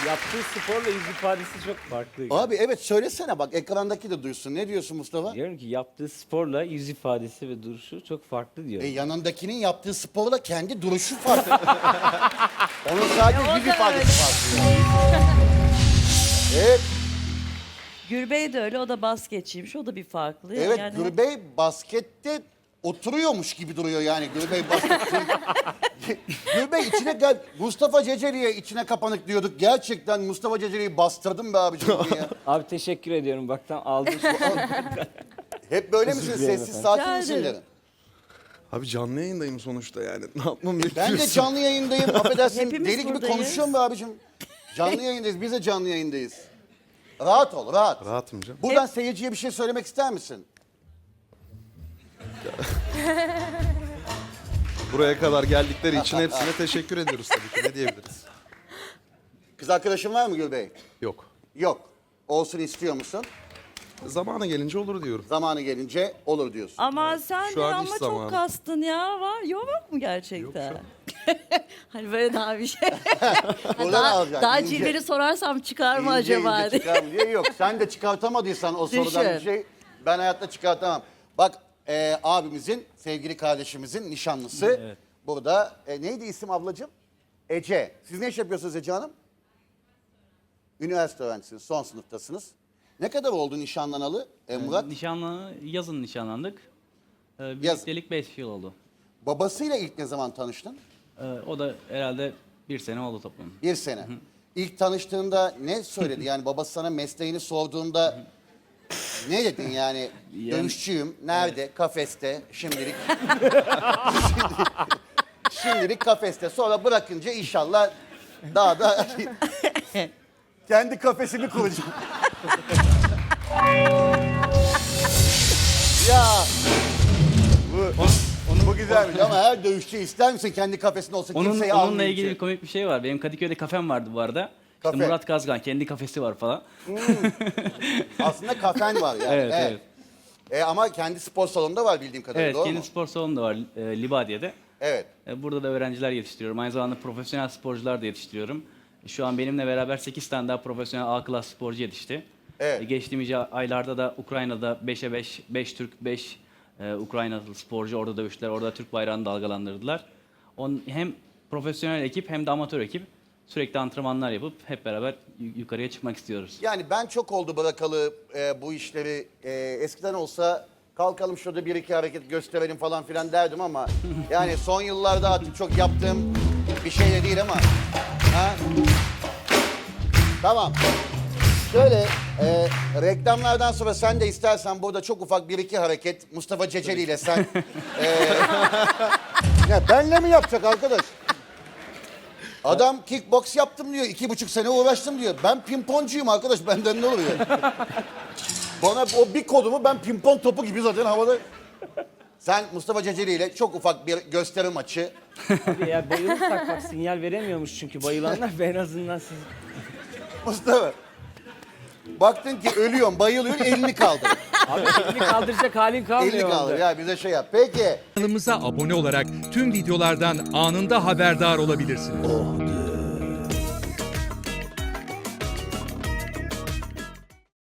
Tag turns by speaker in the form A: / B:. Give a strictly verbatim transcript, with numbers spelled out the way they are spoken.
A: yaptığı sporla yüz ifadesi çok farklı.
B: Abi evet söylesene bak ekrandaki de duysun. Ne diyorsun Mustafa?
A: Diyorum ki yaptığı sporla yüz ifadesi ve duruşu çok farklı diyor.
B: E, yanındakinin yaptığı sporla kendi duruşu farklı. Onun sadece
C: E, o
B: yüz
C: da
B: ifadesi farklı. Evet,
C: Gürbey de öyle, o da basketçiymiş, o da bir farklı.
B: evet
C: Yani
B: Gürbey baskette oturuyormuş gibi duruyor yani Gürbey baskette. Gürbey içine gel. Mustafa Ceceli'ye içine kapanık diyorduk. Gerçekten Mustafa Ceceli'yi bastırdım be abicim ya.
A: Abi teşekkür ediyorum. Bak tam aldım.
B: Hep böyle
A: Özür
B: misiniz?
A: dilerim
B: Sessiz
A: efendim.
B: sakin
C: Rica
B: misinler?
C: ederim.
D: Abi canlı yayındayım sonuçta yani. Ne yapmam
B: Ben de
D: bekliyorsun?
B: canlı yayındayım. Affedersin
C: Hepimiz
B: deli gibi
C: buradayız.
B: konuşuyorum be abicim. Canlı yayındayız. Biz de canlı yayındayız. Rahat ol, rahat.
D: Rahatım canım.
B: Buradan seyirciye bir şey söylemek ister misin?
D: Buraya kadar geldikleri için hepsine teşekkür ediyoruz tabii ki. Ne diyebiliriz?
B: Kız arkadaşın var mı Gülbey?
D: Yok.
B: Yok. Olsun istiyor musun?
D: Zamanı gelince olur diyorum.
B: Zamanı gelince olur diyorsun.
C: ama sen
D: Şu
C: de
D: an
C: ama
D: iş
C: çok
D: zamanı.
C: kastın ya. Var yok mu gerçekten? hani böyle daha bir şey.
B: Buradan
C: daha
B: alacaksın,
C: daha
B: ince.
C: cilveli sorarsam çıkar mı
B: İnce
C: acaba
B: ince
C: diye.
B: çıkar mı diye yok. Sen de çıkartamadıysan o sorudan bir
C: Düşün.
B: şey ben hayatta çıkartamam. Bak e, abimizin, sevgili kardeşimizin nişanlısı.
A: Evet.
B: Burada e, neydi isim ablacığım? Ece. Siz ne iş yapıyorsunuz Ece Hanım? Üniversite öğrencisiniz, son sınıftasınız. Ne kadar oldu nişanlanalı e, Murat?
E: Nişanlı, yazın nişanlandık. Ee,
B: Yaz.
E: birliktelik beş yıl oldu.
B: Babasıyla ilk ne zaman tanıştın?
E: Ee, o da herhalde bir sene oldu toplam.
B: Bir sene. İlk tanıştığında ne söyledi? Yani babası sana mesleğini sorduğunda ne dedin yani?
E: Yani-
B: Dövüşçüyüm. Nerede? Kafeste. Şimdilik. Şimdilik kafeste. Sonra bırakınca inşallah daha da kendi kafesini kuracağım. ya bu, bu güzelmiş ama her dövüşçü ister misin kendi kafesinde olsun
E: Onun,
B: kimseyi
E: onunla
B: almayınca?
E: ilgili bir komik bir şey var. Benim Kadıköy'de kafem vardı bu arada. İşte
B: Kafe.
E: Murat Kazgan kendi kafesi var falan.
B: Aslında kafen var yani.
E: Evet, evet.
B: E, ama kendi spor salonunda var bildiğim kadarıyla
E: Evet,
B: doğru
E: kendi
B: mu?
E: spor salonu da var e, Libadiye'de.
B: Evet.
E: E, burada da öğrenciler yetiştiriyorum. Aynı zamanda profesyonel sporcular da yetiştiriyorum. E, Şu an benimle beraber sekiz tane daha profesyonel A klas sporcu yetişti.
B: Evet.
E: E, Geçtiğimiz aylarda da Ukrayna'da beşe beş, beş Türk, beş e, Ukraynalı sporcu orada dövüştüler. Orada Türk bayrağını dalgalandırdılar. On, hem profesyonel ekip hem de amatör ekip sürekli antrenmanlar yapıp hep beraber yu- yukarıya çıkmak istiyoruz.
B: Yani ben çok oldu bırakalı e, bu işleri. E, eskiden olsa kalkalım şurada bir iki hareket gösterelim falan filan derdim ama yani son yıllarda artık çok yaptığım bir şey de değil ama. Ha? Tamam. Şöyle e, reklamlardan sonra sen de istersen burada çok ufak bir iki hareket Mustafa Ceceli ile sen. e, ya benle mi yapacak arkadaş? Adam kickbox yaptım diyor. iki buçuk sene uğraştım diyor. Ben pimponcuyum arkadaş. Benden ne oluyor? Bana o bir kodumu ben pimpon topu gibi zaten havada. Sen Mustafa Ceceli ile çok ufak bir gösteri maçı.
A: Abi ya bayılırsak bak sinyal veremiyormuş çünkü bayılanlar ve en azından siz...
B: Mustafa. Baktın ki ölüyorsun, bayılıyorsun, elini kaldır.
A: Abi elini kaldıracak halin kalmıyor.
B: elini kaldır.
A: orada.
B: Ya bize şey yap. Peki.
F: Kanalımıza abone olarak tüm videolardan anında haberdar olabilirsiniz.